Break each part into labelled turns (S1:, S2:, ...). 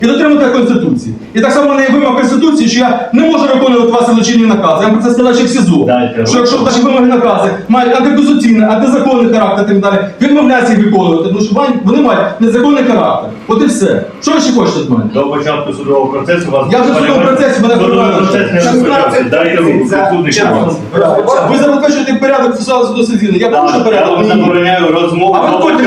S1: І дотримувати Конституції. І так само в мене є вимога Конституції, що я не можу виконувати ваші злочинні накази. Я вам про це сказав ще в СІЗО. Що якщо ваші вимоги накази мають антиконституційний, антизаконний характер і так далі, відмовляються їх виконувати, тому що вони мають незаконний характер. От і все. Що ви ще хочете від мене?
S2: До початку судового процесу вас...
S1: Я вже в судовому процесі, мене
S2: судовий процес не розпочався. Дайте руку, підсудник.
S1: Ви забезпечуєте порядок судового. Я порушу порядок.
S2: Я вам забороняю розмову.
S1: А ви ходите,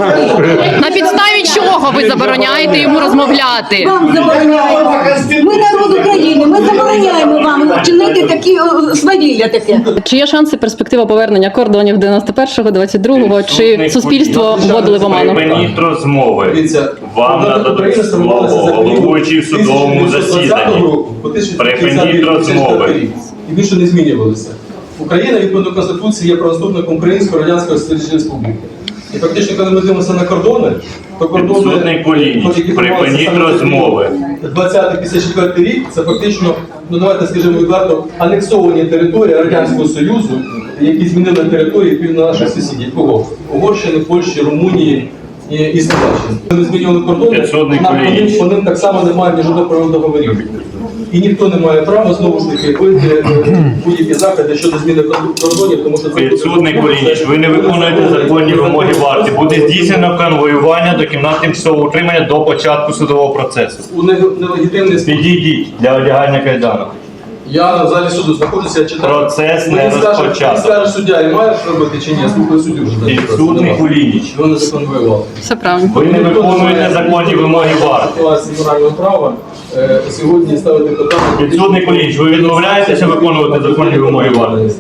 S3: На підставі чого ви забороняєте йому розмовляти?
S4: Вам забороняємо. Ми народ України, ми забороняємо вам чинити такі свавілля таке.
S3: Чи є шанси перспектива повернення кордонів 91-го, 22-го, чи суспільство вводили в оману?
S2: Припиніть розмови.
S1: Дивіться,
S2: Вам нададуть слово головуючий в судовому засіданні. Припиніть розмови.
S1: І більше не змінювалися. Україна, відповідно до Конституції, є правоступником Української Радянської Соціалістичної Республіки. І фактично, коли ми дивимося на кордони, то кордони...
S2: Підсудний Кулініч, припиніть розмови.
S1: 20-54 рік – це фактично, ну давайте скажімо відверто, анексовані території Радянського Союзу, які змінили території півдня наших сусідів. Кого? Угорщини, Польщі, Румунії і Словаччини. Вони змінювали кордони, по ним так само немає ні жодного правових договорів. І ніхто не має права, знову ж таки, вийти будь-які заходи щодо зміни кордонів, тому що це...
S2: Підсудний Кулініч, ви не виконуєте законні вимоги варті. Буде здійснено конвоювання до кімнат тимчасового утримання до початку судового процесу.
S1: У нелегітимний спосіб.
S2: Підійдіть для одягання кайданок.
S1: Я в залі суду знаходжуся, я читаю.
S2: Процес не
S1: Мені
S2: розпочався.
S1: скаже суддя, і має робити чи ні? Я слухаю суддю вже.
S2: Підсудний Кулініч,
S1: Вони законвоювали.
S3: Все правильно.
S2: ви не виконуєте законні вимоги варти.
S1: Ситуації морального права сьогодні ставити питання...
S2: Підсудний Кулініч, ви відмовляєтеся виконувати законні вимоги варти?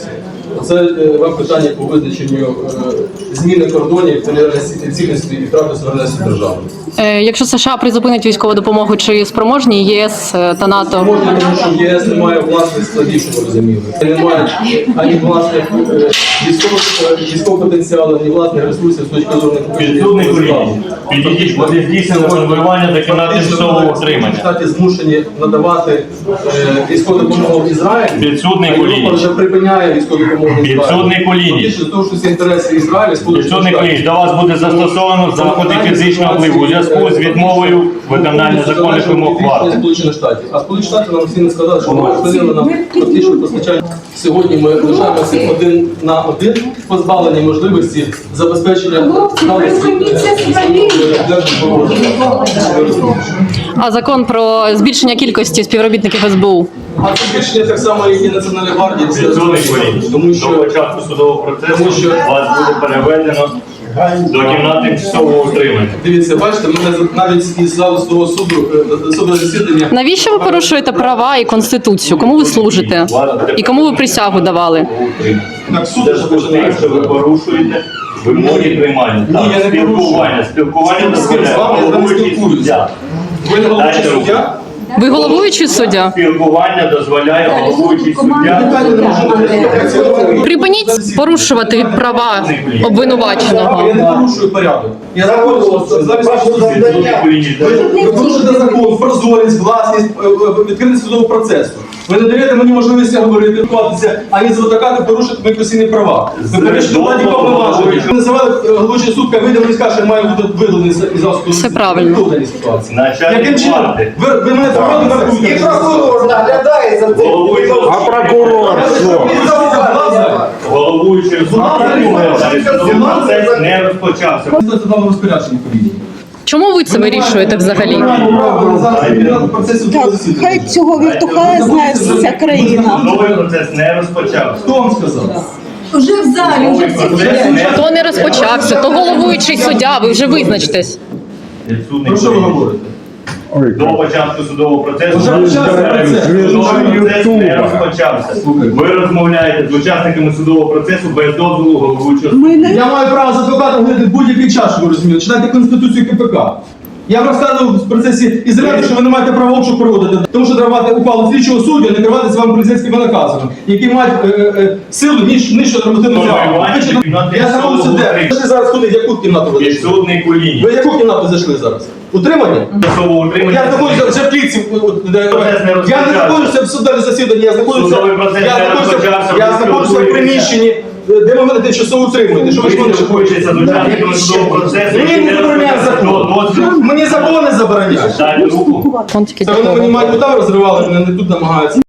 S1: Це вам питання по визначенню зміни кордонів, територіальної цілісності і втрати суверенності держави.
S3: Якщо США призупинить військову допомогу, чи спроможні ЄС та НАТО?
S1: Можна, тому що ЄС не має власних складів, щоб ви розуміли. Не має ані власних військового потенціалу, ані власних ресурсів з точки зору...
S2: Підсудний Кулініч, підійдіть, буде здійснено конвоювання до кімнат тимчасового утримання.
S1: Штати змушені надавати військову допомогу Ізраїлю.
S2: Підсудний
S1: Європа
S2: Кулініч.
S1: вже припиняє військову допомогу Ізраїлю.
S2: Підсудний Кулініч.
S1: Фактично, тому що всі інтереси Ізраїлю,
S2: Підсудний Кулініч, до вас буде застосовано заходи фізичного впливу у зв'язку з відмовою виконання законних вимог варти.
S1: Сполучених Штатів. А Сполучені Штати нам всі не сказали, що ми припинили нам фактично постачання. Сьогодні ми лишаємося один на один, позбавлені можливості забезпечення
S3: А закон про збільшення кількості співробітників СБУ?
S1: А це збільшення так само, як і Національної гвардії.
S2: Підсудний Кулініч,
S1: Тому
S2: до
S1: що
S2: початку судового процесу вас буде переведено до кімнат тимчасового утримання.
S1: дивіться, бачите, мене навіть із залу судового суду засідання.
S3: Навіщо ви порушуєте права і Конституцію? Кому ви служите? І кому ви присягу давали?
S1: Так, суд
S2: Це
S1: вже
S2: ж те,
S1: починає.
S2: що ви порушуєте вимоги приймання.
S1: Ні, я не порушую.
S2: Спілкування
S1: З ким? З вами я не спілкуюся. Ви не головуючий суддя?
S3: Ви головуючий суддя?
S2: Спілкування дозволяє головуючий суддя.
S3: Припиніть порушувати права обвинуваченого.
S1: Я не порушую порядок. Я знаходжуся замість вашого суду. Ви порушуєте закон, прозорість, власність, відкритість судового процесу. Ви не даєте мені можливості говорити, спілкуватися, ані з адвокатом порушити мої конституційні права. Ви перейшли владі повноваження. Ви називали головуючий суд, як вийде, скаже, що має бути виданий із засобу.
S3: Все правильно.
S1: Хто в даній ситуації?
S2: Начальник
S1: Яким чином?
S2: влади.
S1: Ви мене правильно вартуєте?
S5: І прокурор наглядає за цим.
S6: А прокурор що?
S2: Головуючий суд процес не розпочався.
S1: Це вам розпорядження повинні.
S3: Чому ви це вирішуєте взагалі?
S4: Хай цього віртуха знає вся країна.
S2: Судовий процес не розпочався.
S1: Хто вам сказав?
S4: Уже в залі, вже всі вже.
S3: То не розпочався, то головуючий суддя, ви вже визначтесь.
S2: Підсудний
S1: Про що ви
S2: Кулініч.
S1: говорите?
S2: До початку судового процесу
S1: Вже почався процес.
S2: судовий процес не розпочався. Ви розмовляєте з учасниками судового процесу без дозволу головуючого суду.
S1: Я маю право з адвокатом говорити будь-який час, щоб ви розуміли. Читайте Конституцію КПК. Я вам розказував в процесі Ізраїлю, що ви не маєте права обшук проводити, тому що треба мати ухвалу слідчого суддя, не керуватися вам поліцейськими наказами, які мають силу нижче нормативного права. Я знаходжуся де? Ви зараз куди? В яку кімнату ви зайшли?
S2: Підсудний Кулініч.
S1: Ви в яку кімнату зайшли зараз? Утримання?
S2: Тимчасового утримання.
S1: Я знаходжуся вже в клітці. Я не знаходжуся в судовому засіданні, я знаходжуся в приміщенні. де ви мене тимчасово утримуєте? Що ви ж мене
S2: Хочеться до учасників судового процесу.
S1: Мені не забороняє закон. Мені закон не забороняє.
S2: Дайте руку.
S3: Он тільки
S1: Це вони мені мають удар розривали, мене не тут намагаються.